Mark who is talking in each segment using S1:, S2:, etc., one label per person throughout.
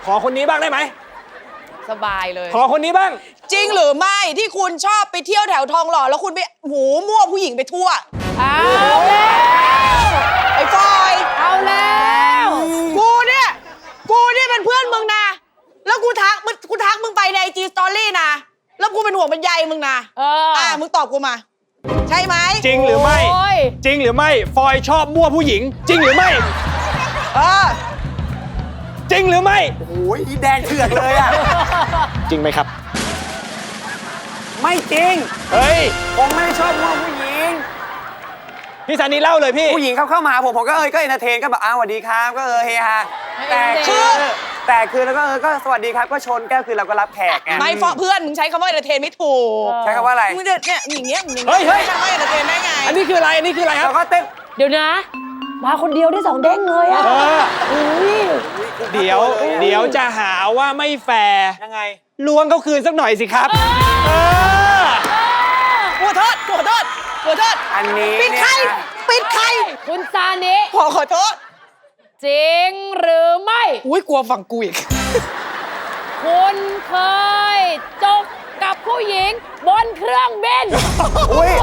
S1: อคนนี้บ้างได้ไหม
S2: สบายเลย
S1: ขอคนนี้บ้าง
S3: จริงหรือไม่ที่คุณชอบไปเที่ยวแถวทองหล่อแล้วคุณไปมั่วผู้หญิงไปทั่ว
S2: เอาแล้ว
S3: ไอ้ฟอย
S2: เอาแล้ว
S3: กูเนี่ยเป็นเพื่อนมึงนะแล้วกูทักมึงไปใน IG Story นะแล้วกูเป็นห่วงเป็นใยมึงนะมึงตอบกูมาใช่ไหม
S1: จริงหรือไม่จริงหรือไม่ฟอยชอบมั่วผู้หญิงจริงหรือไม่จริงหรือไม่
S4: โอ้ยแดงเถือกเลยอ่ะ
S1: จริงไหมครับ
S4: ไม่จริง
S1: เฮ้ย
S4: ผมไม่ชอบมั่วผู้หญิง
S1: พี่ซานีเล่าเลยพี่
S4: ผู้หญิงเข้ามาหาผมก็ก็เอนเตอร์เทนก็แบบสวัสดีครับก็เฮฮาแต่คือแล้วก็สวัสดีครับก็ชนแก้วคือเราก็รับแขกไง
S3: ไม่ฟอเพื่อนมึงใช้คำว่าเอนเตอร์เทนไม่ถูก
S4: ใช้คำว่าอะไร
S3: มึงเนี่ยอย่างเงี้ย
S1: เฮ้ย
S3: ใช้คำว่าเอนเตอร์เทนได้ไง
S1: อันนี้คืออะไรครับ
S4: เราก็เต้น
S2: เดี๋ยวนะมาคนเดียวได้2 เด้งเลยอ่ะ
S1: เดี๋ยวจะหาว่าไม่แฟร์
S4: ยังไง
S1: ล้วงเขาคืนสักหน่อยสิครับ
S3: ขอโทษ
S4: อันนี้
S3: ปิดใคร
S2: คุณซานิ
S3: ขอโทษ
S2: จริงหรือไม่
S3: อุ้ยกลัวฝั่งกูอีก
S2: คุณเคยจกกับผู้หญิงบนเครื่องบิน
S4: อุ้ย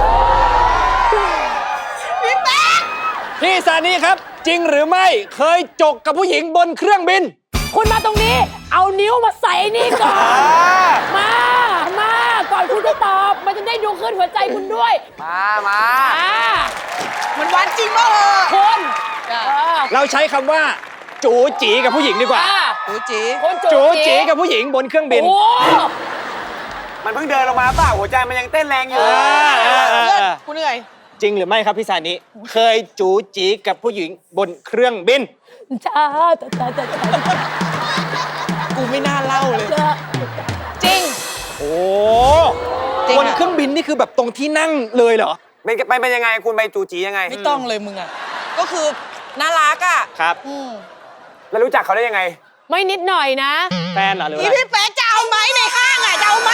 S3: พี่แป๊ก
S1: พี่ซานีครับจริงหรือไม่เคยจกกับผู้หญิงบนเครื่องบิน
S2: คุณมาตรงนี้เอานิ้วมาใส่นี่ก่อนมาก่อนคุณจะตอบมันจะได้ดูขึ้นหัวใจคุณด้วย
S4: มา
S3: มันวันจริงป่ะ
S2: คุณ
S1: เราใช้คำว่าจูจีกับผู้หญิงดีกว่าจูจีกับผู้หญิงบนเครื่องบิน
S4: มันเพิ่งเดินลงมาเปล่าหัวใจมันยังเต้นแรงอยู่
S3: กูเหนื่อย
S1: จริงหรือไม่ครับพี่ซานิเคยจูจีกับผู้หญิงบนเครื่องบิน
S2: จ้า
S3: กูไม่น่าเล่าเลยจริง
S1: โอ้บนเครื่องบินนี่คือแบบตรงที่นั่งเลยเหรอ
S4: เป็นยังไงคุณไปจูจียังไง
S3: ไม่ต้องเลยมึงอ่ะก็คือน่ารักอ่ะ
S1: ครับ
S4: แล้วรู้จักเขาได้ยังไง
S2: ไม่นิดหน่อยนะ
S1: แฟนเหรอหรือ
S3: อะไรพี่แป๊กจะเอาไหมในห้างอ่ะจะเอาไหม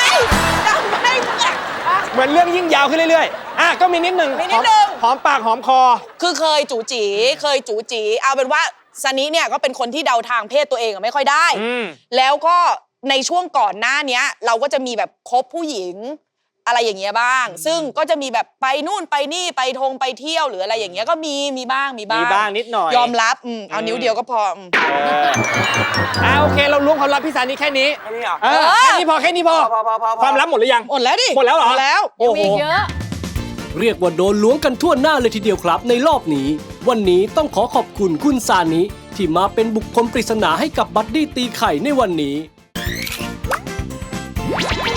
S1: เหมือนเรื่องยิ่งยาวขึ้นเรื่อยๆก็มีนิดหนึ่งหอมปากหอมคอ
S3: คือเคยจูจีเอาเป็นว่าซานิเนี่ยก็เป็นคนที่เดาทางเพศตัวเองไม่ค่อยได้แล้วก็ในช่วงก่อนหน้านี้เราก็จะมีแบบคบผู้หญิงอะไรอย่างเงี้ยบ้างซึ่งก็จะมีแบบไปนู่นไปนี่ไปไปเที่ยวหรืออะไรอย่างเงี้ยก็มีบ้าง
S1: นิดหน่อย
S3: ยอมรับเอานิ้วเดียวก็พอ
S1: โอเคเราล้วงความลับพี่ซานิแค่นี้
S4: เหรอ
S1: แค่นี้พอความลับหมดหรือยัง
S3: หมดแล้วดิ
S1: หมดแล้วเหรอ
S3: แล้ว
S2: มีเยอะ
S5: เรียกว่าโดนล้วงกันทั่วหน้าเลยทีเดียวครับในรอบนี้วันนี้ต้องขอบคุณคุณซานิที่มาเป็นบุคคลปริศนาให้กับบัดดี้ตีไข่ในวันนี้